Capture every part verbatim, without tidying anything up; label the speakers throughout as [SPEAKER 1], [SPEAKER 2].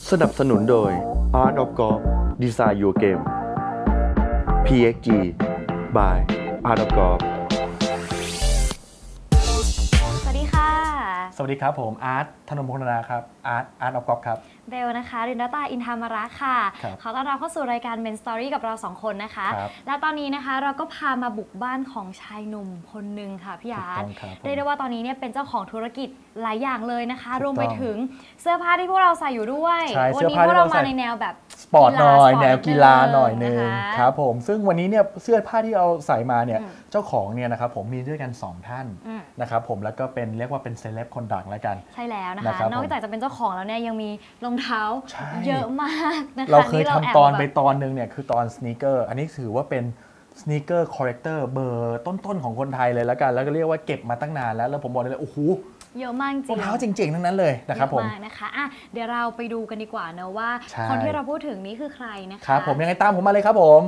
[SPEAKER 1] สนับสนุนโดย Art of Golf Design Your Game พี เอ็กซ์ จี by Art of Golf
[SPEAKER 2] สวัสดีค่ะ
[SPEAKER 3] สวัสดีครับผมอาร์ตธนงพงษ์นาครับอาร์ตอาร์ตออฟกอล์ฟครับ
[SPEAKER 2] เบลนะคะรินดาตาอินทามาระค่ะขอต้อนรับเข้าสู่รายการ Men Story กับเราสองคนนะคะและตอนนี้นะคะเราก็พามาบุกบ้านของชายหนุ่มคนหนึ่งค่ะพี่อาร์ตเรียกได้ว่าตอนนี้เนี่ยเป็นเจ้าของธุรกิจหลายอย่างเลยนะคะรวมไปถึงเสื้อผ้าที่พวกเราใส่อยู่ด้วยวันนี้พวกเรามาในแนวแบบ
[SPEAKER 3] สปอร์ตหน่อยแนวกีฬาหน่อยนึงครับผมซึ่งวันนี้เนี่ยเสื้อผ้าที่เอาใส่มาเนี่ยเจ้าของเนี่ยนะครับผมมีด้วยกันสองท่านนะครับผมแล้วก็เป็นเรียกว่าเป็นเซเลบคนดังแล้วกัน
[SPEAKER 2] ใช่แล้วนะคะนอกจากจะเป็นเจ้าของแล้วเนี่ยยังมีรองเท้าเยอะมากนะคะ
[SPEAKER 3] เราเคยทำตอนไปตอนนึงเนี่ยคือตอนสนีกเกอร์อันนี้ถือว่าเป็นสนีกเกอร์คอร์เรคเตอร์เบอร์ต้นๆของคนไทยเลยแล้วกันแล้วก็เรียกว่าเก็บมาตั้งนานแล้วแล้วผมบอกเลยโอ้โห
[SPEAKER 2] เยอะมากจริง
[SPEAKER 3] รองเท้าจริงๆทั้งนั้นเลยนะครับผม
[SPEAKER 2] เยอะมากนะคะอ่ะเดี๋ยวเราไปดูกันดีกว่านะว่าคนที่เราพูดถึงนี้คือใครนะคะ
[SPEAKER 3] ครับผมยังไงตามผมมาเลยครับผม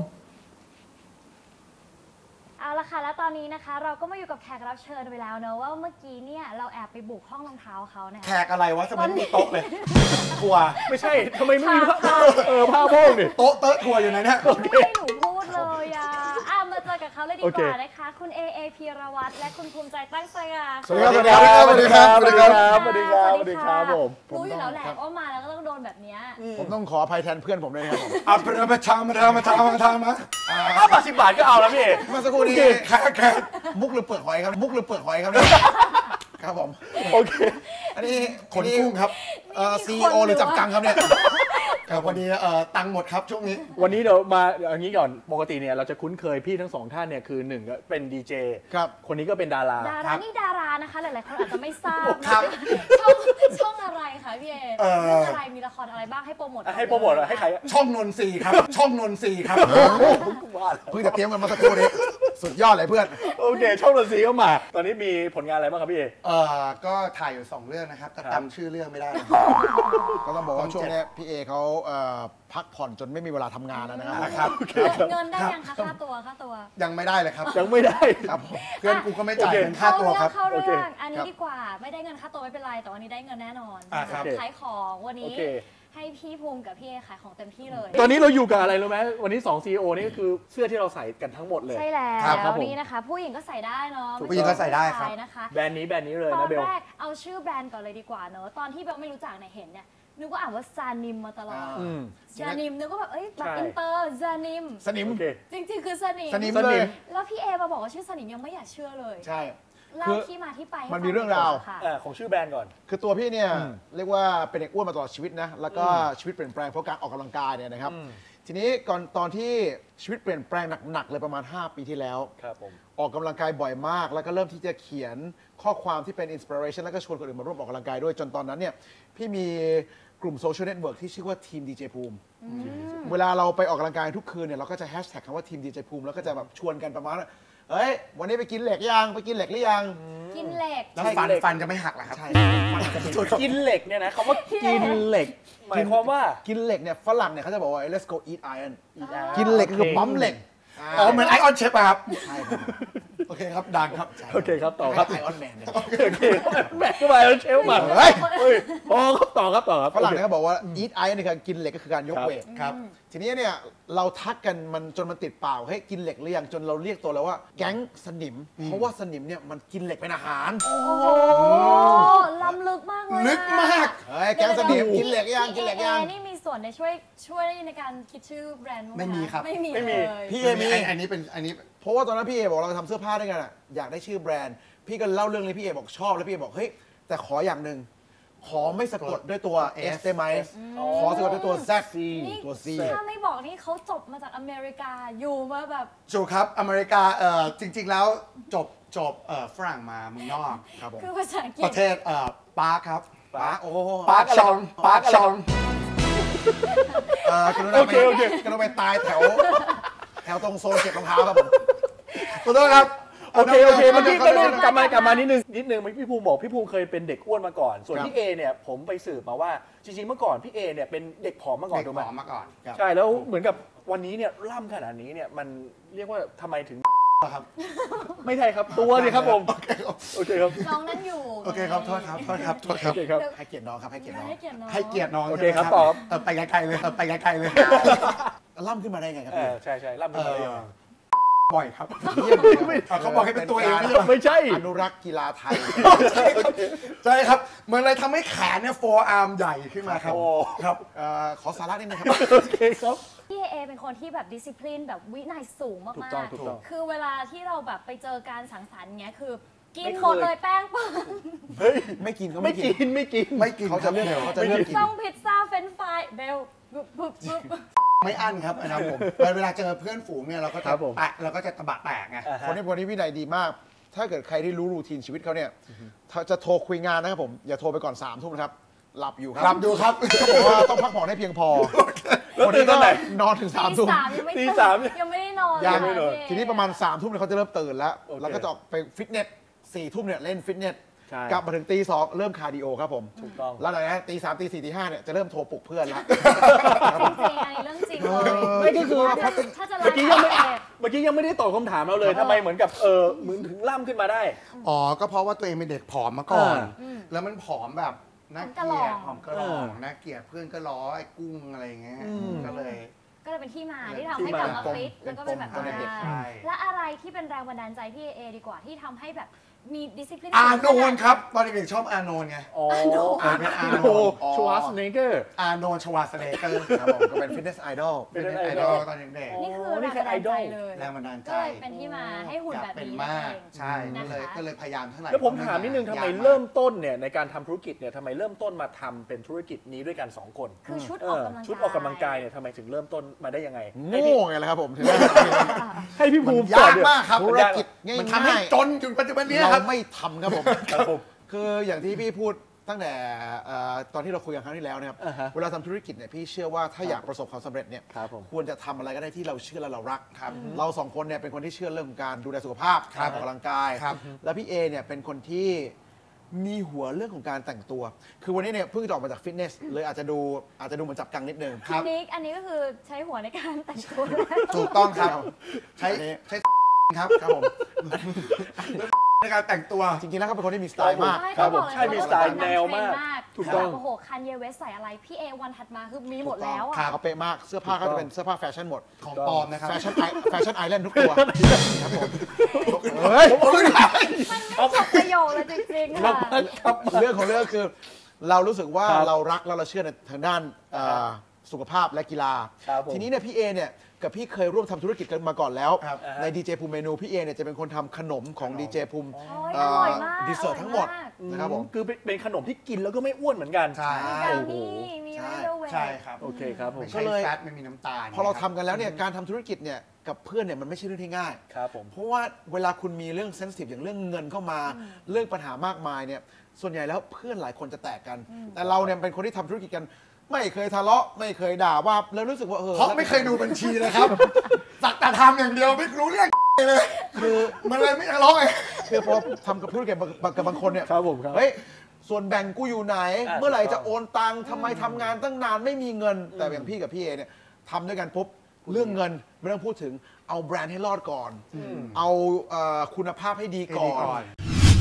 [SPEAKER 2] เอาละค่ะแล้วตอนนี้นะคะเราก็มาอยู่กับแขกรับเชิญไปแล้วเนอะว่าเมื่อกี้เนี่ยเราแอบไปบุกห้องรองเท้าเขาเนี่ย
[SPEAKER 4] แขกอะไรวะทำไมไม่มีโต๊ะเลยทัวร์
[SPEAKER 3] ไม่ใช่ทำไมไม่มีผ้าเออผ้าโพกดิ
[SPEAKER 4] โต๊ะเต๊ะทัวร์อยู่ไหนเนี่ย
[SPEAKER 2] ไม่ให้หนูพูดเลยอ่ะอ่ะมาเจอกับเขาเลยดีกว่านะคะคุณเอเอพีรวัตรและคุณภูมิใจตั้งใจอ่ะ
[SPEAKER 4] สวัสดีครับสวัสดีครับสวัสดีครับ
[SPEAKER 3] สวัสดีครับสวัสดีครับผม
[SPEAKER 2] รู้อยู่แล้วแหละว่ามาแล้วก็ต้องโดนแบบนี้
[SPEAKER 4] ผมต้องขออภัยแทนเพื่อนผมเลยนะครับอ่ะมาทำมาทำมาทำมาทำมา
[SPEAKER 3] ห้าบาทสิบบาทก็เอาแล้วพี่
[SPEAKER 4] เมื่อสักครู่นี้แขกแขกมุกหรือเปลือกหอยครับมุกหรือเปลือกหอยครับครับผม
[SPEAKER 3] โอเค
[SPEAKER 4] อันนี้ขนกุ้งครับซีอีโอหรือจับกังครับเนี่ยครับวันนี้ตังหมดครับช่วงนี้
[SPEAKER 3] วันนี้เดี๋ยวมาอย่างนี้ก่อนปกติเนี่ยเราจะคุ้นเคยพี่ทั้งสองท่านเนี่ยคือหนึ่งก็เป็นดีเจ
[SPEAKER 4] ครับ
[SPEAKER 3] คนนี้ก็เป็นดารา
[SPEAKER 2] ดารานี่ดารานะคะหลายๆคนอาจจะไม่ทราบครับช่องช่องอะไรคะพี่เอเรื่องอะไรมีละครอะไรบ้างให้โปรโมท
[SPEAKER 3] ให้โปรโมทให้ใคร
[SPEAKER 4] ช่องนนทรีครับช่องนนทรีครับเพิ่งจะเตรียมกันมาสักครู่นี้สุดยอดเลยเพื่อน
[SPEAKER 3] โอเคช่องนนทรีเข้ามาตอนนี้มีผลงานอะไรบ้างครับพี่เอ
[SPEAKER 4] เออก็ถ่ายอยู่สองเรื่องนะครับแต่จำชื่อเรื่องไม่ได้ก็ต้องบอกว่าช่วงนี้พี่เอเขาพักผ่อนจนไม่มีเวลาทำงานแล้วนะครับ
[SPEAKER 2] เงินได้ยังคะค่าตัวค่าตัว
[SPEAKER 4] ยังไม่ได้เลยครับ
[SPEAKER 3] ยังไม่ได้
[SPEAKER 4] ครับเพื่อนกูก็ไม่จ่ายเงินค่าตัวครับ
[SPEAKER 2] เข้าเรื่องอันนี้ดีกว่าไม่ได้เงินค่าตัวไม่เป็นไรแต่วันนี้ได้เงินแน่นอนขายของวันนี้ให้พี่ภูมิกับพี่เอขายของเต็มที่เลย
[SPEAKER 3] ตอนนี้เราอยู่กับอะไรรู้ไหมวันนี้สอง ซี อี โอ นี่ก็คือเสื้อที่เราใส่กันทั้งหมดเลย
[SPEAKER 2] ใช่แล้วนี่นะคะผู้หญิงก็ใส่ได้เนาะ
[SPEAKER 4] ผู้หญิงก็ใส่ได้ครับ
[SPEAKER 3] แบรนด์นี้แบรนด์นี้เลยนะเบล
[SPEAKER 2] ตอนแรกเอาชื่อแบรนด์ก่อนเลยดีกว่าเนาะตอนที่เบลไม่รู้จักเนี่ยเห็นเนี่ยนึกว่าอ่านว่าซานิมมาตลอดซานิมนึกว่าแบบเอ้ยแบบอินเตอร์ซานิม
[SPEAKER 4] ซานิม
[SPEAKER 2] จริงๆคือซานิม
[SPEAKER 4] ซานิมเลย
[SPEAKER 2] แล้วพี่เอมาบอกว่าชื่อซานิมยังไม่อยากเชื่อเลย
[SPEAKER 4] ใช่
[SPEAKER 2] เล่าที่มาที่ไป
[SPEAKER 4] มันมีเรื่องราว
[SPEAKER 3] ของชื่อแบรนด์ก่อน
[SPEAKER 4] คือตัวพี่เนี่ยเรียกว่าเป็นเด็กอ้วนมาตลอดชีวิตนะแล้วก็ชีวิตเปลี่ยนแปลงเพราะการออกกำลังกายเนี่ยนะครับทีนี้ก่อนตอนที่ชีวิตเปลี่ยนแปลงหนักๆเลยประมาณห้าปีที่แล้วออกกำลังกายบ่อยมากแล้วก็เริ่มที่จะเขียนข้อความที่เป็นอินสปิเรชันแล้วก็ชวนคนอื่นมาร่วมออกกำลังกายด้วยจนตอนนั้นเนี่ยพี่มีกลุ่มโซเชียลเน็ตเวิร์กที่ชื่อว่าทีมดีเจภูมิเวลาเราไปออกกำลังกายทุกคืนเนี่ยเราก็จะแฮชแท็กคำว่าทีมดีเจภูมิแล้วก็จะแบบชวนกันประมาณว่าเฮ้ยวันนี้ไปกินเหล็กยังไปกินเหล็กหรือยัง
[SPEAKER 2] กินเหล็ก
[SPEAKER 4] แล้วฟันฟันจะไม่หักเหรอครับใช่
[SPEAKER 3] กินเหล็กเนี่ยนะคำว่ากินเหล็กหมายความว่า
[SPEAKER 4] กินเหล็กเนี่ยฝรั่งเนี่ยเขาจะบอกว่า let's go eat iron กินเหล็กคือปั๊มเหล็กอ๋อเหมือนไอออนเชฟครับใช่ครับโอเคครับดังครับ
[SPEAKER 3] โอเคครับต่อครับ
[SPEAKER 4] ไอออนแมนเนี่ย
[SPEAKER 3] โอเคแมนก็ไปแล้วเชฟมาเฮ้ยอ๋อครับต่อครับต่อครับ
[SPEAKER 4] ฝรั่งเนี่ยเขาบอกว่า eat iron นี่คือกินเหล็กก็คือการยกเวทครับทีนี้เนี่ยเราทักกันมันจนมันติดปากเฮ้ยกินเหล็กหรือยังจนเราเรียกตัวแล้วว่าแก๊งสนิมเพราะว่าสนิมเนี่ยมันกินเหล็กเป็นอาหาร
[SPEAKER 2] โอ้ล้ำลึกมากเลย
[SPEAKER 4] ลึกมากเฮ้ยแก๊งสนิมกินเหล็กยังกินเหล็กยัง
[SPEAKER 2] นี่มีส่วนในช่วยช่วยในการคิดชื่อแบรนด์
[SPEAKER 4] ไม่มีครับ
[SPEAKER 2] ไม่มี
[SPEAKER 3] ไม่มี
[SPEAKER 4] พี่เอมีอันนี้เป็นอันนี้เพราะว่าตอนนั้นพี่เอบอกเราทำเสื้อผ้าด้วยกันอะอยากได้ชื่อแบรนด์พี่ก็เล่าเรื่องนี้พี่เอบอกชอบแล้วพี่เอบอกเฮ้ยแต่ขออย่างหนึ่งขอไม่สะกดด้วยตัว S ได้ไหมขอสะกดด้วยตัว Z ตัว C
[SPEAKER 2] ถ้าไม่บอกนี่เขาจบมาจากอเมริกาอยู่มาแบบ
[SPEAKER 4] จบครับอเมริกาเอ่อจริงๆแล้วจบจบเอ่อฝรั่งมาเมืองนอกครับผม
[SPEAKER 2] คือภาษาอังกฤษ
[SPEAKER 4] ประเทศเอ่อปาร์คครับปาร์คโอ้ปาร์คชองปาร์คชองเอ่อกรุณาไปกรุณาไปตายแถวแถวตรงโซนเก็บรองเท้าครับผมขอโทษครับ
[SPEAKER 3] โอเคโอเคมันที่กลับมากลับมานิดนึงนิดนึงพี่ภูมิบอกพี่ภูมิเคยเป็นเด็กอ้วนมาก่อนส่วนพี่เอเนี่ยผมไปสืบมาว่าจริงๆเมื่อก่อนพี่เอเนี่ยเป็นเด็กผอมมาก่อน
[SPEAKER 4] ถูกไหมเด็กผอมมาก่อน
[SPEAKER 3] ใช่แล้วเหมือนกับวันนี้เนี่ยล่ำขนาดนี้เนี่ยมันเรียกว่าทำไมถึง
[SPEAKER 5] ครับ
[SPEAKER 3] ไม่ใช่ครับตัวสิครับผมโอเคครับ
[SPEAKER 2] น้องนั่นอยู่
[SPEAKER 5] โอเคครับโทษครับโทษครับโทษครับ
[SPEAKER 3] โอเคครับ
[SPEAKER 4] ให้เกียรติน้องครับให้เกียรติน้อง
[SPEAKER 2] ให้เกียรติน้อง
[SPEAKER 5] ให้เกียรติน้อง
[SPEAKER 3] โอเคครับ
[SPEAKER 5] ใช่ไหม
[SPEAKER 3] ตอบ
[SPEAKER 5] เออไปไกลๆเลยเออไปไกลๆเลย
[SPEAKER 4] ล่ำขึ้นมาได้ไงครับ
[SPEAKER 3] เอ
[SPEAKER 4] พี่
[SPEAKER 3] อใช่ใช่รับเป็นอะไรมา
[SPEAKER 5] บ่อยครับ
[SPEAKER 4] เยี่ยมเลยครับ
[SPEAKER 5] เขาบอกให้เป็นตัวเอง
[SPEAKER 4] การ
[SPEAKER 3] ไม่ใช่
[SPEAKER 4] อนุรักษ์กีฬาไทย
[SPEAKER 5] ใช่ครับมันเลยทำให้แขนเนี่ยโฟอาร์มใหญ่ขึ้นมาครับ
[SPEAKER 3] โอ้
[SPEAKER 5] ครับ
[SPEAKER 4] เอ่อขอสาระนิดนึงครับ
[SPEAKER 3] โอเคครับ
[SPEAKER 2] พี่เอเป็นคนที่แบบดิสซิ p ลินแบบวินัยสูงมาก
[SPEAKER 3] ถูกต้องถูกต้อง
[SPEAKER 2] ๆคือเวลาที่เราแบบไปเจอการสังสรรค์เงี้ยคือกิน
[SPEAKER 3] ไม่เคย
[SPEAKER 2] หมดเลยแป้งเปิ้ล
[SPEAKER 3] เฮ้ย
[SPEAKER 4] ไม่กินเขา
[SPEAKER 3] ไม่
[SPEAKER 4] ไม่
[SPEAKER 3] กิ
[SPEAKER 4] กิน
[SPEAKER 3] นไม่กิน
[SPEAKER 5] ไม่กิน
[SPEAKER 4] เขาจะเลือก
[SPEAKER 5] ครับ
[SPEAKER 4] เขาจะเลือกกิน
[SPEAKER 2] ต้องพิซซ่าเฟรนช์ฟรายเบลบึบบึบบึบ
[SPEAKER 5] ไม่อั้นครับนะครับผมเวลาเจอเพื่อนฝูงเนี่ยเราก็
[SPEAKER 3] ค
[SPEAKER 5] จะ
[SPEAKER 3] รับผม
[SPEAKER 5] แตะเราก็จะตะบะแตกไง
[SPEAKER 3] อ่าฮะ
[SPEAKER 4] คนนี้คนนี้วินัยดีมาก ถ้าเกิดใครที่รู้รูทีนชีวิตเขาเนี่ยถ้าจะโทรคุยงานนะครับผม อย่าโทรไปก่อนสามทุ่มนะครับ หลับอยู่ครั
[SPEAKER 5] ครับดูครับ
[SPEAKER 4] เขาบอกว่าต้องพักผ่อนให้เพียงพอ
[SPEAKER 3] แล้ว
[SPEAKER 4] คน
[SPEAKER 3] ตื่
[SPEAKER 4] นี้
[SPEAKER 3] นต
[SPEAKER 4] ก็
[SPEAKER 3] อนไหน
[SPEAKER 4] นอนถึงสาม
[SPEAKER 2] ตี
[SPEAKER 4] ทุ่ม
[SPEAKER 2] สามยังไม่
[SPEAKER 3] ตี
[SPEAKER 2] ตื่น
[SPEAKER 3] สาม
[SPEAKER 2] ยังไม่ได้นอน
[SPEAKER 4] ยัง
[SPEAKER 2] เลย
[SPEAKER 3] เลย
[SPEAKER 2] พี่เอ
[SPEAKER 4] ทีนี้ประมาณ3ามทุ่มเนี่ยเขาจะเริ่มตื่นแล้ว
[SPEAKER 3] โอเค
[SPEAKER 4] แล้วก็จะออกไปฟิตเนสสี่ทุ่มเนี่ยเล่นฟิตเนส
[SPEAKER 3] ใช่
[SPEAKER 4] กลับมาถึงตีสองเริ่มคาร์ดิโอครับผม
[SPEAKER 3] ถูกต้อง
[SPEAKER 4] แล้วหลังจากนั้นตีสามตีสี่ตีห้าเนี่ยจะเริ่มโทรปลุกเพื่อนแล้ว
[SPEAKER 2] จริงๆอันนี้เรื่องจริงเลย
[SPEAKER 3] ไม่ก็คือ
[SPEAKER 2] ถ้าจะถ้าจะไล
[SPEAKER 3] เมื่อกี้
[SPEAKER 2] ฟ์
[SPEAKER 3] ยังไม่
[SPEAKER 2] เอ
[SPEAKER 3] เมื่อกี้ยังไม่ได้ตอบคำถามเราเลยทำไมเหมือนกับเออเหมือนถึงล่ำขึ้นมาได้
[SPEAKER 5] อ๋อก็เพราะว่าตัวเองเป็นเด็กผอมมาก่อน
[SPEAKER 3] อ่า
[SPEAKER 5] แล้วมันผอมแบบน่าเกลียดผอมกระหล่องน่าเกลียดเพื่อนก็ล้อไอ้กุ้งอะไรอย่างเงี้ย
[SPEAKER 3] อืม
[SPEAKER 5] ก็เลย
[SPEAKER 2] ก็เลยเป็นที่มาที่ทำให้กลับมาฟิต
[SPEAKER 5] เป็
[SPEAKER 2] แล้ว
[SPEAKER 5] น
[SPEAKER 2] ก็เป็นแบบ
[SPEAKER 5] ปม
[SPEAKER 2] นั้
[SPEAKER 5] เด็ก
[SPEAKER 2] น
[SPEAKER 5] ๆใช่
[SPEAKER 2] และอะไรที่เป็นแรงบันดาลใจพี่เอดีกว่าที่ทำให้แบบมีดิสซิ p ลิน
[SPEAKER 5] อาโนนครับตอนเด็กๆชอบอาโนนไง
[SPEAKER 3] อ๋อ
[SPEAKER 5] อ่าเป็นอาโน
[SPEAKER 3] โอ้
[SPEAKER 5] น
[SPEAKER 3] ชวาสเนเกอร์
[SPEAKER 5] อาโนนชวาสเนเกอร์
[SPEAKER 4] ครับผมก็เป็นฟิตเนสไอดอล
[SPEAKER 3] เป็น
[SPEAKER 5] เป็น
[SPEAKER 3] ไอ
[SPEAKER 5] ไอ
[SPEAKER 3] ด
[SPEAKER 5] ด
[SPEAKER 3] อ
[SPEAKER 5] อ
[SPEAKER 3] ล
[SPEAKER 5] ลตอนเด็ก
[SPEAKER 2] นี่คือ
[SPEAKER 3] โอ้นี่
[SPEAKER 2] แรง
[SPEAKER 3] คือ
[SPEAKER 2] บันดาลใจ
[SPEAKER 3] ไอดอล
[SPEAKER 2] เลย
[SPEAKER 5] ๆแรงบันดาลใจ
[SPEAKER 2] ก็เลยเป็นที่มาให้หุ่น
[SPEAKER 5] อยาก
[SPEAKER 2] แบบ
[SPEAKER 5] เป็น
[SPEAKER 2] นี้
[SPEAKER 5] มาก
[SPEAKER 2] นั่นเอง
[SPEAKER 5] ใช่ก็เลย
[SPEAKER 2] นะคะ
[SPEAKER 5] ก็เลยพยายามเท่าไหร่
[SPEAKER 3] แล้วผมถามนิดนึงทำไม
[SPEAKER 5] ยากาก
[SPEAKER 3] เริ่มต้นเนี่ยในการทำธุรกิจเนี่ยทำไมเริ่มต้นมาทำเป็นธุรกิจนี้ด้วยกันสองคน
[SPEAKER 2] คือชุด
[SPEAKER 3] เอ
[SPEAKER 2] ออก
[SPEAKER 3] อก
[SPEAKER 2] ำลังกาย
[SPEAKER 3] ชุดออกกำลังกายเนี่ยทำไมถึงเริ่มต้นมาได้ยังไง
[SPEAKER 4] โง่ไงล่ะครับผมถึงได้
[SPEAKER 3] ให้พี่ภูมิ
[SPEAKER 5] ยากมากครับ
[SPEAKER 4] ธุรกิจง่าย
[SPEAKER 5] มันทำให้จนถึงปัจจุบันนี้ค
[SPEAKER 4] เรา
[SPEAKER 5] รับ
[SPEAKER 4] ไม่ทำครับผม
[SPEAKER 3] ครับผม
[SPEAKER 4] คืออย่างที่พี่พูดตั้งแต่เอ่อตอนที่เราคุยกันครั้งที่แล้วนะครับ
[SPEAKER 3] อ่าฮะ
[SPEAKER 4] เวลาทำธุรกิจเนี่ยพี่เชื่อว่าถ้าอยากประสบความสำเร็จเนี่ย
[SPEAKER 3] ครับผม
[SPEAKER 4] ควรจะทำอะไรก็ได้ที่เราเชื่อและเรารักครับเราสองคนเนี่ยเป็นคนที่เชื่อเรื่องของการดูแลสุขภาพ
[SPEAKER 5] ครั
[SPEAKER 4] กา
[SPEAKER 5] บ
[SPEAKER 4] รออกกำลังกาย
[SPEAKER 5] ครับ
[SPEAKER 4] แล้วพี่เอเนี่ยเป็นคนที่มีหัวเรื่องของการแต่งตัว คือวันนี้เนี่ยเพิ่งจะออกมาจากฟิตเนสเลยอาจจะดูอาจจะดูเหมือนจับกังนิดนึง
[SPEAKER 5] ครับ
[SPEAKER 2] นิกอันนี้ก็คือใช้หัวในการแต่งตัวเลย
[SPEAKER 5] ถูกต้องครับ ใช้
[SPEAKER 4] อันนี้
[SPEAKER 5] ใช้ครับ
[SPEAKER 4] ครับผม
[SPEAKER 5] ในการแต่งตัว
[SPEAKER 4] จริงๆแล้วเขาเป็นคนที่มีสไตล์มาก
[SPEAKER 2] ใช่
[SPEAKER 3] ครับ
[SPEAKER 2] เขาบอกเลย
[SPEAKER 3] ใช่มีสไตล์แนวมาก
[SPEAKER 2] ถู
[SPEAKER 3] ถู
[SPEAKER 2] ก
[SPEAKER 3] ก
[SPEAKER 2] ต้
[SPEAKER 3] ต้
[SPEAKER 2] อ
[SPEAKER 3] อง ง
[SPEAKER 2] โอ้โหคันเยเวสใส่อะไรพี่เอวันถัดมาคือมีหมดแล้วอ่ะ
[SPEAKER 4] เขาเป๊ะมากเสื้อผ้าก็จะเป็นเสื้อผ้าแฟชั่นหมด
[SPEAKER 5] ของปลอมนะครับ
[SPEAKER 4] แฟชั่นไอแฟชั่นไอแลนด์ทุกตัวครับผม
[SPEAKER 5] เฮ้ยผมไม่ได้
[SPEAKER 2] มันไม่จบประโยคเลยจริงๆค่ะ
[SPEAKER 4] เรื่องของเรื่องคือ เรารู้สึกว่า
[SPEAKER 3] ครับ
[SPEAKER 4] เรารักแล้วเราเชื่อในทางด้านเอ่อสุขภาพและกีฬา
[SPEAKER 3] ครับผม
[SPEAKER 4] ทีนี้เนี่ยพี่เอเนี่ยกับพี่เคยร่วมทำธุรกิจกันมาก่อนแล้ว
[SPEAKER 5] ครับ
[SPEAKER 4] ในดีเจภูมิเมนูพี่เอเนี่ยจะเป็นคนทำขนมของดีเจภูมิ
[SPEAKER 2] โอ้ยอร่อยมาก
[SPEAKER 4] ดีเซอร์ทั้งหมด
[SPEAKER 2] อร่อยมาก
[SPEAKER 4] นะครับผม
[SPEAKER 3] คือเป็นขนมที่กินแล้วก็ไม่อ้วนเหมือนกัน
[SPEAKER 5] ใช่
[SPEAKER 2] มีกามีมี
[SPEAKER 4] ใช่
[SPEAKER 2] ไรเดอร์เวย์
[SPEAKER 5] ใช่ครับ
[SPEAKER 3] โอเคครับผม
[SPEAKER 5] ไม่ใช่แฟตไม่มีน้ำตาล
[SPEAKER 4] พอเราทำกันแล้วเนี่ยการทำธุรกิจเนี่ยกับเพื่อนเนี่ยมันไม่ใช่เรื่องที่ง่าย
[SPEAKER 3] ครับผม
[SPEAKER 4] เพราะว่าเวลาคุณมีเรื่องเซนซิทีฟอย่างเรื่องเงินเข้ามา เรื่องปัญหามากมายเนี่ยส่วนใหญ่แล้วเพื่อนหลายคนจะแตกกัน แต่เราเนี่ยเป็นคนที่ทำธุรกิจกัน ไม่เคยทะเลาะไม่เคยด่าว่าแล้วรู้สึกว่าเออ
[SPEAKER 5] เพราะไม่เคยดูบัญชีเลยครับ สักแต่ทำอย่างเดียวไม่รู้เรื่องเลย
[SPEAKER 4] คือ
[SPEAKER 5] มันเลยไม่ทะเลาะไง
[SPEAKER 4] คือพอทำกับธุรกิจกับบางคนเนี่ย
[SPEAKER 3] ครับผมครับ
[SPEAKER 4] เฮ้ยส่วนแบ่งกูอยู่ไหน
[SPEAKER 3] อ่า
[SPEAKER 4] เมื่อไหร่
[SPEAKER 3] ถูกต้
[SPEAKER 4] จะ
[SPEAKER 3] อง
[SPEAKER 4] โอนตังค์ทำไมทำงานตั้งนานไม่มีเงิน แต่อย่างพี่กับพี่เอเนี่ยทำด้วยกันปุ๊บเรื่องเงินไม่ต้องพูดถึงเอาแบรนด์ให้รอดก่อน เอาเอ่อคุณภาพให้ดีก่อ
[SPEAKER 5] ให้ดีก่อน
[SPEAKER 4] น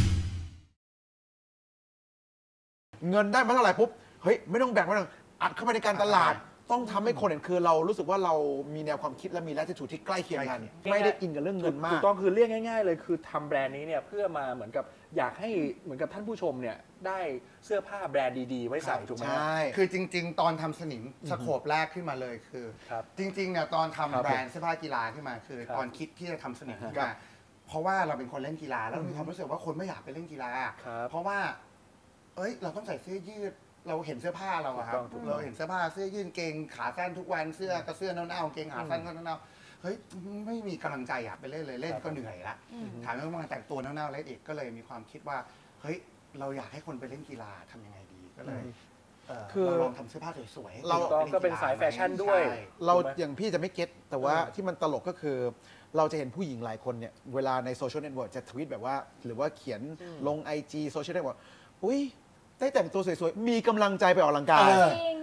[SPEAKER 4] เงินได้มาเท่าไหร่ปุ๊บ เฮ้ย ไม่ต้องแบ่งไม่ต้องอัดเข้าไปในการตลาด ต้องทำให้คนเห็นคือเรารู้สึกว่าเรามีแนวความคิดและมีแลทิจูดที่ใกล้เคียงกัน ไม่ได้อินกับเรื่องเงินมา
[SPEAKER 3] ถู
[SPEAKER 4] ก
[SPEAKER 3] กต้องคือเรียกง่ายๆเลยคือทำแบรนด์นี้เนี่ยเพื่อมาเหมือนกับอยากให้เหมือนกับท่านผู้ชมเนี่ยได้เสื้อผ้าแบรนด์ดีๆ ไว้ใส่ถูกไหม
[SPEAKER 4] ใช่
[SPEAKER 5] คือจริง ๆ ตอนทำสนิมสโคปแรกขึ้นมาเลยคือ
[SPEAKER 3] ครับ
[SPEAKER 5] จริงๆเนี่ยตอน
[SPEAKER 3] ครั
[SPEAKER 5] ทำ
[SPEAKER 3] บ
[SPEAKER 5] แบรนด์เสื้อผ้ากีฬาขึ้นมาคือ
[SPEAKER 3] ครับ
[SPEAKER 5] ตอนคิดที่จะทำสนิมขึ้น
[SPEAKER 4] ครั
[SPEAKER 5] มา
[SPEAKER 4] บ
[SPEAKER 5] เพราะว่าเราเป็นคนเล่นกีฬาแล้วมีความรู้สึกว่าคนไม่อยากไปเล่นกีฬา
[SPEAKER 3] ครับ
[SPEAKER 5] เพราะว่า เอ้ย เราต้องใส่เสื้อยืด เราเห็นเสื้อผ้าเราอะครับ
[SPEAKER 3] ถูกต้องถูกต้อง
[SPEAKER 5] เราเห็นเสื้อผ้าเสื้อยืดเกงขาสั้นทุกวันเสื้อก็เสื้อเน่าๆเกงขาสั้นก็เน่าๆเฮ้ยไม่มีกำลังใจอยากไปเล่นเลยเล่นก็เหนื่อยละถามว่ามาแต่งตัวเน่าๆเล่นอีกก็เลยมีความคิดว่าเฮ้ยเราอยากให้คนไปเล่นกีฬาทำยังไงดีก็เลยเ
[SPEAKER 4] คือ
[SPEAKER 5] เราลองทำเสื้อผ้าสวยๆ
[SPEAKER 4] เรา
[SPEAKER 3] ถูกต้องก็เป็นสายแฟชั่นด้วย
[SPEAKER 5] ใช่
[SPEAKER 4] เรา
[SPEAKER 3] ถูกไหม
[SPEAKER 4] อย่างพี่จะไม่เก็ตแต่ว่าที่มันตลกก็คือ เราจะเห็นผู้หญิงหลายคนเนี่ยเวลาในโซเชียลเน็ตเวิร์กจะทวีตแบบว่า หรือว่าเขียนลง ไอ จี โซเชียลเน็ตเวิร์กอุ้ยได้แต่งตัวสวยๆ มีกำลังใจไปออกกำลังกาย
[SPEAKER 5] เออ
[SPEAKER 2] จริง อันนี้ต้องบอก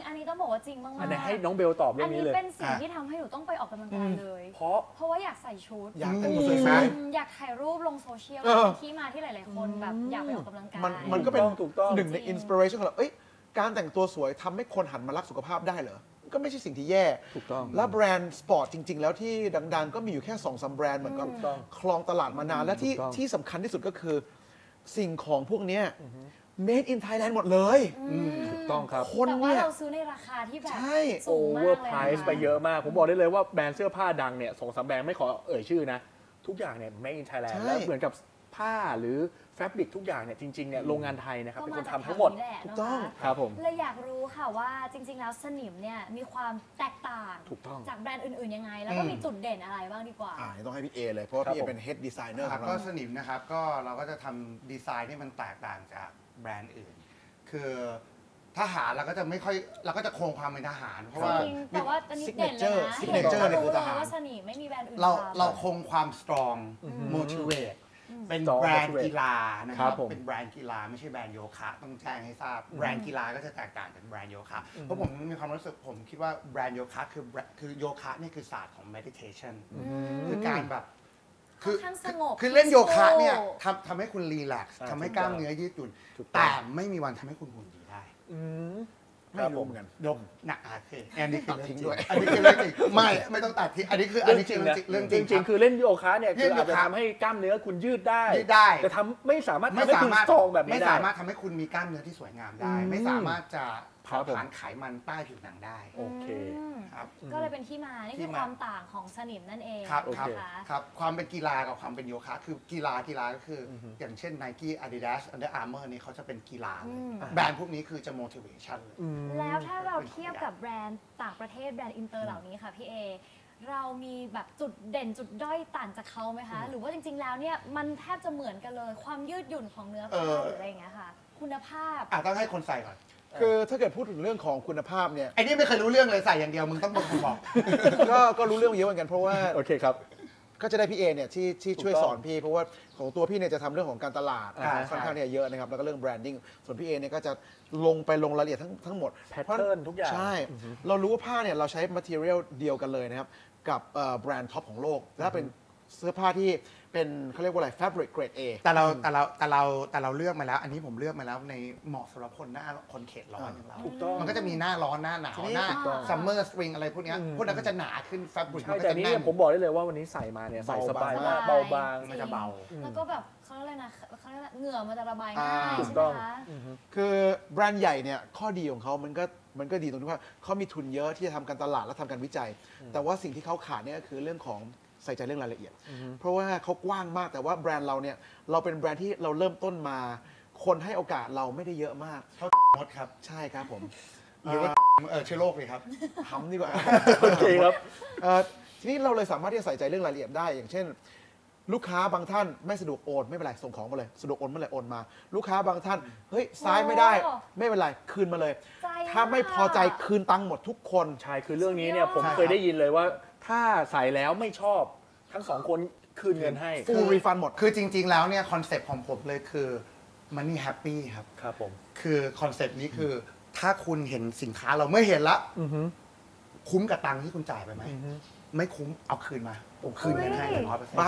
[SPEAKER 2] บอกว่าจริงมากๆ
[SPEAKER 3] อันนี้ให้น้องเบลตอบเรื่
[SPEAKER 2] อั
[SPEAKER 3] อน ง
[SPEAKER 2] นี้
[SPEAKER 3] นี้เลย
[SPEAKER 2] เป็นสิ่งที่ทำให้หนูต้องไปออกกำลังกายเลย
[SPEAKER 3] เพราะ
[SPEAKER 2] เพราะว่าอยากใส่ชุด
[SPEAKER 4] อยากแต่ง
[SPEAKER 5] อื
[SPEAKER 4] ตัว
[SPEAKER 5] ม
[SPEAKER 4] สวย
[SPEAKER 2] อืมอยากถ่ายรูปลงโซเชียล
[SPEAKER 4] เออ
[SPEAKER 2] ที่มาที่หลายๆคนแบบอยากไปออกกำลังกาย
[SPEAKER 4] มันมันก็เป็น
[SPEAKER 3] ถูกต้อง
[SPEAKER 4] หนึ่งใน
[SPEAKER 2] จริง
[SPEAKER 4] อินสปิเรชันของเราเอ้ยการแต่งตัวสวยทำให้คนหันมารักสุขภาพได้เหรอ ก็ไม่ใช่สิ่งที่แย่
[SPEAKER 3] ถูกต้อง
[SPEAKER 4] แล้วแบรนด์สปอร์ตจริง ๆ แล้วที่ดัง ๆ ก็มีอยู่แค่สองสามแบรนด์เหมือนกัน
[SPEAKER 3] ถูกต้อง
[SPEAKER 4] ครองตลาดมานาน และที่
[SPEAKER 3] ถูกต้อง
[SPEAKER 4] ที่สำคัญที่สุดก็คือสิ่งของพวกเนี้ย made in Thailand หมดเลย
[SPEAKER 3] ถูกต้องครับ
[SPEAKER 4] คน
[SPEAKER 2] แต่ว่า
[SPEAKER 4] เนี่ย
[SPEAKER 2] เราซื้อในราคาที่แบบ
[SPEAKER 4] ใช่
[SPEAKER 2] สู
[SPEAKER 3] โอง
[SPEAKER 2] มา
[SPEAKER 3] เวอก ร์
[SPEAKER 2] เลย
[SPEAKER 3] ไพร
[SPEAKER 2] นะ
[SPEAKER 3] ซ์ไปเยอะมาก ผมบอกได้เลยว่าแบรนด์เสื้อผ้าดังเนี่ยสองสามแบรนด์ไม่ขอเอ่ยชื่อนะ ทุกอย่างเนี่ย made in Thailand
[SPEAKER 4] ใช่
[SPEAKER 3] แล้วเหมือนกับผ้าหรือแฟบริกทุกอย่างเนี่ยจริงๆเนี่ยโรงงานไทยนะครับเป็นคนทำทั้งหมด
[SPEAKER 2] ก็าจากแถวนี้แหละ
[SPEAKER 4] ถูกต้อง
[SPEAKER 2] นะคะ
[SPEAKER 3] ครับผม
[SPEAKER 2] เลยอยากรู้ค่ะว่าจริง ๆ แล้วสนิมเนี่ยมีความแตกต่าง
[SPEAKER 3] ถูกต้อง
[SPEAKER 2] จากแบรนด์อื่นๆยังไง แล้วก็มีจุดเด่นอะไรบ้างดีกว่า
[SPEAKER 4] อ่าต้องให้พี่เอเลย เพราะว่า
[SPEAKER 3] ครับ
[SPEAKER 4] พี่เอ
[SPEAKER 3] ผม
[SPEAKER 4] เป็น head designer
[SPEAKER 5] ค
[SPEAKER 4] ข
[SPEAKER 5] รั
[SPEAKER 4] อบ ง
[SPEAKER 5] ก็
[SPEAKER 4] เรา
[SPEAKER 5] สนิมนะครับก็เราก็จะทำดีไซน์ที่มันแตกต่างจากแบรนด์อื่น คือทหารเราก็จะไม่ค่อยเราก็จะคงความเป็นทหาร เพราะว่า
[SPEAKER 2] จริงแต่ว่าอันนี้เด่นเลยนะ
[SPEAKER 4] signature
[SPEAKER 2] เห็น
[SPEAKER 4] เนี่ยคือทหาร
[SPEAKER 2] ว่าสนิมไม่มีแบรนด์อื่น
[SPEAKER 5] เรา
[SPEAKER 2] ทำ
[SPEAKER 5] เราคงความ strong motivate เป็น
[SPEAKER 3] Strong
[SPEAKER 5] แบรนด์
[SPEAKER 3] motivate
[SPEAKER 5] กีฬานะค
[SPEAKER 3] ครั
[SPEAKER 5] รับบ
[SPEAKER 3] ผม
[SPEAKER 5] เป็นแบรนด์กีฬาไม่ใช่แบรนด์โยคะต้องแจ้งให้ทราบแบรนด์กีฬาก็จะแตกต่างจากแบรนด์โยคะเพราะผมมีความรู้สึกผมคิดว่าแบรนด์โยคะคือแบรนด์คือโยคะนี่คือศาสตร์ของ meditation คือการแบบ
[SPEAKER 2] ค่อนข้างสงบ
[SPEAKER 5] คือเล่นโยคะเนี่ย
[SPEAKER 2] peaceful
[SPEAKER 5] ทำทำให้คุณรีแลกซ์
[SPEAKER 3] อ่า
[SPEAKER 5] ทำให้กล้ามเนื้อยืดหยุ่น
[SPEAKER 3] ถูกต้อง
[SPEAKER 5] แต่ไม่มีวันทำให้คุณหุ่นดีได้
[SPEAKER 3] อืม
[SPEAKER 4] ไม่รู้เหมือนกัน
[SPEAKER 5] ยกหนักอาเคอันนี้คือ
[SPEAKER 4] ตัดทิ้งด้วย
[SPEAKER 5] อันนี้คือเรื่องจริงไม่ไม่ต้องตัดทิ้งอันนี้คืออัน
[SPEAKER 3] เรื่อง
[SPEAKER 5] นี้
[SPEAKER 3] จ
[SPEAKER 5] คื
[SPEAKER 3] ริ
[SPEAKER 5] อง เรื่อง
[SPEAKER 3] นะ
[SPEAKER 5] จริงเรื่องจ
[SPEAKER 3] จ
[SPEAKER 5] ริง
[SPEAKER 3] ริงๆคือเล่นโยคะเนี่ย
[SPEAKER 5] เล่
[SPEAKER 3] คือน
[SPEAKER 5] โยคะ
[SPEAKER 3] อาจจะทำให้กล้ามเนื้อคุณยืดได้
[SPEAKER 5] ยืดได้
[SPEAKER 3] แต่ทำไม่สามารถทำ
[SPEAKER 5] ไม่
[SPEAKER 3] ให้คุ
[SPEAKER 5] สา
[SPEAKER 3] ณ
[SPEAKER 5] มารถ
[SPEAKER 3] สตรองแบบนี้
[SPEAKER 5] ไม่
[SPEAKER 3] ได้
[SPEAKER 5] สามารถทำให้คุณมีกล้ามเนื้อที่สวยงามได้
[SPEAKER 3] อืม
[SPEAKER 5] ไม่สามารถจะ
[SPEAKER 3] ครั
[SPEAKER 5] เผา
[SPEAKER 3] บผม
[SPEAKER 5] ผลาญไขมันใต้ผิวหนังได้
[SPEAKER 3] โอเค
[SPEAKER 2] อืม
[SPEAKER 5] ครับ
[SPEAKER 2] ก็เลยเป็นที่มา นี่
[SPEAKER 5] ที่
[SPEAKER 2] คือ
[SPEAKER 5] มา
[SPEAKER 2] ความต่างของสนิมนั่นเอง
[SPEAKER 5] ครับ
[SPEAKER 3] โอ
[SPEAKER 5] ครับ
[SPEAKER 3] เค
[SPEAKER 2] นะคะ
[SPEAKER 5] ครับความเป็นกีฬากับความเป็นโยคะคือกีฬากีฬาก็คือออย่างเช่น Nike Adidas Under Armour นี่เขาจะเป็นกีฬาเลย
[SPEAKER 2] อืม
[SPEAKER 5] แบรนด์พวกนี้คือจะ motivation เลย
[SPEAKER 2] แล้วถ้าเราเทียบกับแบรนด์ต่างประเทศแบรนด์อินเตอร์เหล่านี้ค่ะพี่เอ เรามีแบบจุดเด่นจุดด้อยต่างจากเขาไหมคะ หรือว่าจริงๆแล้วเนี่ยมันแทบจะเหมือนกันเลย ความยืดหยุ่นของเนื้อผ้า
[SPEAKER 5] เออ
[SPEAKER 2] หรืออะไรอย่างเงี้ยค่ะ คุณภาพ
[SPEAKER 5] อ่ะต้องให้คนใส่ก่อน
[SPEAKER 4] คือถ้าเกิดพูดถึงเรื่องของคุณภาพเนี่ย
[SPEAKER 5] ไอ้นี่ไม่เคยรู้เรื่องเลยใส่อย่างเดียวมึงต้องเป็นคนบอก
[SPEAKER 4] ก็ก็รู้เรื่องเยอะเหมือนกันเพราะว่า
[SPEAKER 3] โอเคครับ
[SPEAKER 4] ก็จะได้พี่เอเนี่ยที่ที่ช่วย
[SPEAKER 3] ถูก
[SPEAKER 4] ส
[SPEAKER 3] ต้อง
[SPEAKER 4] อนพี่เพราะว่าของตัวพี่เนี่ยจะทำเรื่องของการตลาด
[SPEAKER 3] อ่า
[SPEAKER 4] ค่อนข้างเนี่ยเยอะนะครับแล้วก็เรื่องแบรนดิ้งส่วนพี่เอเนี่ยก็จะลงไปลงรายละเอียดทั้งทั้งหมด
[SPEAKER 3] Pattern ทุกอย่าง
[SPEAKER 4] ใช่ เรารู้ว่าผ้าเนี่ยเราใช้ material เดียวกันเลยนะครับกับเอ่อแบรนด์ท็อปของโลกและเป็นเสื้อผ้าที่เป็นเขาเรียกว่าอะไร fabric grade A
[SPEAKER 5] แต่เราแต่เราแต่เราแต่เราเลือกมาแล้ว อันนี้ผมเลือกมาแล้วในเหมาะสำหรับคนหน้าคนเขตร้อนอย่างเรา
[SPEAKER 3] ถูกต้อง
[SPEAKER 5] มันก็จะมีหน้าร้อนหน้าหนาว
[SPEAKER 4] ทีนี้
[SPEAKER 5] หน้า
[SPEAKER 2] ถูกต้อง
[SPEAKER 5] ซัมเมอร์สปริงอะไรพวกเนี้ยพวกนั้นก็จะหนาขึ้นแฟบริก
[SPEAKER 3] ใช่
[SPEAKER 5] มันก็
[SPEAKER 3] แต่
[SPEAKER 5] จะ
[SPEAKER 3] นี้
[SPEAKER 5] แน่
[SPEAKER 3] เนี่ย
[SPEAKER 5] น
[SPEAKER 3] ผมบอกได้เลยว่าวันนี้ใส่มาเนี่ยใส่สบายมาก
[SPEAKER 2] เบา
[SPEAKER 3] เบา
[SPEAKER 2] บาง
[SPEAKER 3] บาง
[SPEAKER 5] มันจะเบา
[SPEAKER 2] แล้วก็แบบเขาเรียกอะไรนะเขาเรียกอะไรเหงื่อมันจะระบาย
[SPEAKER 4] อ่า
[SPEAKER 2] ง่าย
[SPEAKER 3] ถู
[SPEAKER 2] ใช่
[SPEAKER 3] ก
[SPEAKER 2] ไหม
[SPEAKER 3] ต้อง
[SPEAKER 2] คะ
[SPEAKER 4] คือแบรนด์ใหญ่เนี่ยข้อดีของเขามันก็มันก็ดีตรงที่ว่าเขามีทุนเยอะที่จะทำการตลาดและทำการวิจัย แต่ว่าสิ่งที่เขาขาดเนี่ยก็คือเรื่องของใส่ใจเรื่องรายละเอียด เพราะว่าเขากว้างมากแต่ว่าแบรนด์เราเนี่ยเราเป็นแบรนด์ที่เราเริ่มต้นมา คนให้โอกาสเราไม่ได้เยอะมาก
[SPEAKER 5] เขามดครับ
[SPEAKER 4] ใช่ครับผม
[SPEAKER 5] หรือว่าเออเชื้อโรคเลยครับ
[SPEAKER 4] ทำดีกว่า
[SPEAKER 3] โอเคครับ
[SPEAKER 4] เอ่อทีนี้เราเลยสามารถที่จะใส่ใจเรื่องรายละเอียดได้ อย่างเช่น ลูกค้าบางท่านไม่สะดวกโอนไม่เป็นไรส่งของมาเลยสะดวกโอนเมื่อไหร่โอนมา ลูกค้าบางท่านเฮ้ยซ้ายไม่ได้
[SPEAKER 2] โอ้
[SPEAKER 4] ไม่เป็นไรคืนมาเลย
[SPEAKER 2] ใจ
[SPEAKER 4] ถ้าไม่พอใจ
[SPEAKER 2] มาก
[SPEAKER 4] คืนตังค์หมดทุกคน
[SPEAKER 3] ใช่คือเรื่องนี้เนี่ยผม
[SPEAKER 5] ใช่ครับ
[SPEAKER 3] เคยได้ยินเลยว่า ถ้าใส่แล้วไม่ชอบทั้งสองคนคืนเงินให้
[SPEAKER 4] full refund หมด
[SPEAKER 5] คือจริง ๆ แล้วเนี่ยคอนเซปต์ของผมเลยคือ money happy ครับ
[SPEAKER 3] ครับผม
[SPEAKER 5] คือคอนเซปต์นี้คือถ้าคุณเห็นสินค้าเราไม่เห็นละคุ้มกับตังค์ที่คุณจ่ายไปไหมไม่คุ้มเอาคืนมาผมคืนเงินให้เลยร้อยเปอร์เซ็นต์
[SPEAKER 4] บาง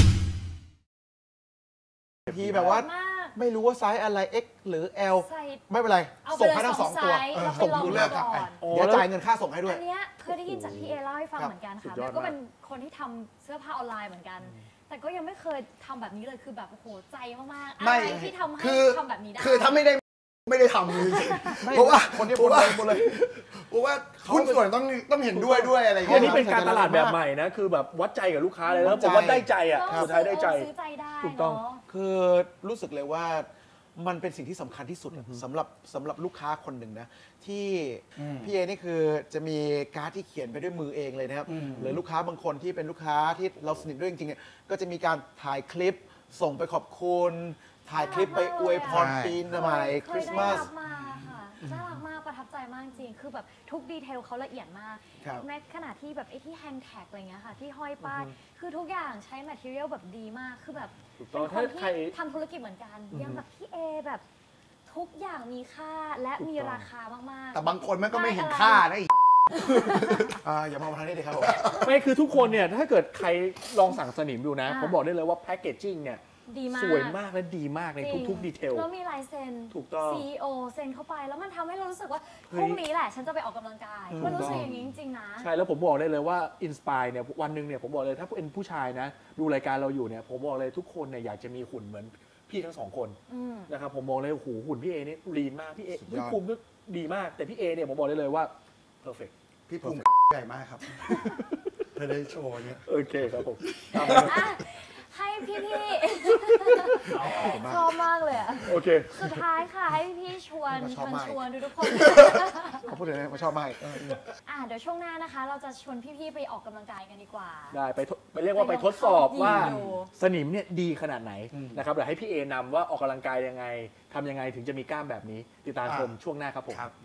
[SPEAKER 4] ทีแบบว่า
[SPEAKER 2] มาก
[SPEAKER 4] ไม่รู้ว่าไซส์อะไร X หรือ L
[SPEAKER 2] ใส่
[SPEAKER 4] ไม่เป็นไร
[SPEAKER 2] เอาไป
[SPEAKER 4] ส่ง
[SPEAKER 2] เลย
[SPEAKER 4] ให้ทั้ง
[SPEAKER 2] ส
[SPEAKER 4] ส
[SPEAKER 2] อ
[SPEAKER 4] อง ง
[SPEAKER 2] ไซ
[SPEAKER 4] ตัว
[SPEAKER 2] ส์
[SPEAKER 4] เออ
[SPEAKER 2] แล้วไป
[SPEAKER 4] ส่ง
[SPEAKER 2] ลอง
[SPEAKER 4] ดู
[SPEAKER 2] ดู
[SPEAKER 4] เลือก
[SPEAKER 2] ก่อน
[SPEAKER 3] โอ้
[SPEAKER 4] เดี๋ยว
[SPEAKER 3] แล้ว
[SPEAKER 4] จ่ายเงินค่าส่งให้ด้วย
[SPEAKER 2] อันเนี้ยเคยได้ยินจากพี่เอเล่าให้ฟัง
[SPEAKER 4] ครับ
[SPEAKER 2] เหมือนกัน
[SPEAKER 3] สุ
[SPEAKER 2] ค่ะ
[SPEAKER 3] ดยอด
[SPEAKER 2] แล้วก็
[SPEAKER 3] มาก
[SPEAKER 2] เป็นคนที่ทำเสื้อผ้าออนไลน์เหมือนกัน แต่ก็ยังไม่เคยทำแบบนี้เลยคือแบบโอ้โหใจมากๆอะไรที่ทำให้
[SPEAKER 5] คือ
[SPEAKER 2] ทำแบบนี้ได้
[SPEAKER 5] คือถ้าไม่ได้ไม่ได้ทำเลยเพราะว่า
[SPEAKER 4] คนที่
[SPEAKER 5] เพราะว่า
[SPEAKER 4] หมดเลย
[SPEAKER 5] เพราะว่าหุ้นส่วนต้องต้องเห็นด้วยด้วยอะไรอย่าง
[SPEAKER 3] อัน
[SPEAKER 5] เงี้
[SPEAKER 3] นี้
[SPEAKER 5] ย
[SPEAKER 3] เป็นการตลาดแบบใหม่นะ คือแบบวัดใจกับลูกค้าเลยแล้วผมว่าได้ใจอ่ะ
[SPEAKER 2] ก็
[SPEAKER 3] สุดท้ายได้ใจ
[SPEAKER 2] ซื้อใจได้
[SPEAKER 3] ถูกต้อง
[SPEAKER 2] เนาะ
[SPEAKER 4] คือรู้สึกเลยว่ามันเป็นสิ่งที่สำคัญที่สุดอะสำหรับสำหรับลูกค้าคนหนึ่งนะที่พี่เอนี่คือจะมีการ์ดที่เขียนไปด้วยมือเองเลยนะครับหรือลูกค้าบางคนที่เป็นลูกค้าที่เราสนิทด้วยจริงๆเนี่ยก็จะมีการถ่ายคลิปส่งไปขอบคุณถ่ายคลิปไปอวยพร
[SPEAKER 5] ใช่
[SPEAKER 4] ปีใหม่คริสต์มาส
[SPEAKER 2] เคยได้รับมาค่ะน่ารักมากประทับใจมากจริงคือแบบทุกดีเทลเขาละเอียดมาก
[SPEAKER 4] ครับ
[SPEAKER 2] แม้ขณะที่แบบไอ้ที่แฮงแท็กอะไรเงี้ยค่ะที่ห้อยป้ายคือทุกอย่างใช้ material แบบดีมากคือแบบ
[SPEAKER 3] ถูกต้อง
[SPEAKER 2] เป็นคน
[SPEAKER 3] ถ้าใคร
[SPEAKER 2] ที่ทำธุรกิจเหมือนกันยังแบบพี่เอแบบททุกอย่างมีค่าและมีราคามากๆ
[SPEAKER 5] แต่บางคนมันก็ไม่เห็นค่านะอีก
[SPEAKER 4] อ่าอย่ามองมาทางนี้เลยครับผม
[SPEAKER 3] ไม่คือทุกคนเนี่ยถ้าเกิดใครลองสั่งสนิมดูนะ
[SPEAKER 2] อ่า
[SPEAKER 3] ผมบอกได้เลยว่าแพคเกจจิ้งเนี่ย
[SPEAKER 2] ดีมาก
[SPEAKER 3] สวยมากและดีมากใน
[SPEAKER 2] จริง
[SPEAKER 3] ทุกๆดีเทล
[SPEAKER 2] แล้วมีลายเซ็น
[SPEAKER 3] ถูกต้อง
[SPEAKER 2] ซี อี โอ เซ็นเข้าไปแล้วมันทำให้เรารู้สึกว่า
[SPEAKER 3] เฮ้ย
[SPEAKER 2] พรุ่งนี้แหละฉันจะไปออกกำลังกาย
[SPEAKER 3] ถูก
[SPEAKER 2] มันรู้สึก
[SPEAKER 3] ต้อง
[SPEAKER 2] อย่างนี้จริงๆนะ
[SPEAKER 3] ใช่แล้วผมบอกได้เลยว่าอินสปายเนี่ยวันหนึ่งเนี่ยผมบอกเลยถ้าเป็นผู้ชายนะ ดูรายการเราอยู่เนี่ยผมบอกเลยทุกคนเนี่ยอยากจะมีหุ่นเหมือนพี่ทั้งสองคน
[SPEAKER 2] อืม
[SPEAKER 3] นะครับผมมองเลยโอ้โหหุ่นพี่เอนี่ลีนมากพี่เอ
[SPEAKER 4] สุดย
[SPEAKER 3] พี่
[SPEAKER 4] อด
[SPEAKER 3] ภูมิก็ดีมากแต่พี่เอเนี่ยผมบอกได้เลยว่าเพอร์เฟก
[SPEAKER 5] พี่ภูมิใหญ่มากครับเธอได้โชว์เนี่ย
[SPEAKER 3] โอเคครับผม
[SPEAKER 2] อ่ะให้พี่ๆชอบมากเลยอะ
[SPEAKER 3] โอเค
[SPEAKER 2] สุดท้ายค่ะให้พี่ๆชวน
[SPEAKER 4] ช
[SPEAKER 2] ช
[SPEAKER 4] อบ
[SPEAKER 2] วน
[SPEAKER 4] มาก
[SPEAKER 2] ชวนทุกๆคน
[SPEAKER 4] เขาพูดเลยนะเขาชอบมากเออ
[SPEAKER 2] อ่ะเดี๋ยวช่วงหน้านะคะ เราจะชวนพี่ๆไปออกกำลังกายกันดีกว่า
[SPEAKER 3] ได้ไปทดไปเรียกว่าไปทดสอบว่า
[SPEAKER 2] ไปลองเข้ายิมดู
[SPEAKER 3] สนิมเนี่ยดีขนาดไหนนะครับเดี๋ยวให้พี่เอนำว่าออกกำลังกายยังไงทำยังไงถึงจะมีกล้ามแบบนี้ ติดตามชมช่วงหน้าครับผม
[SPEAKER 5] ครับ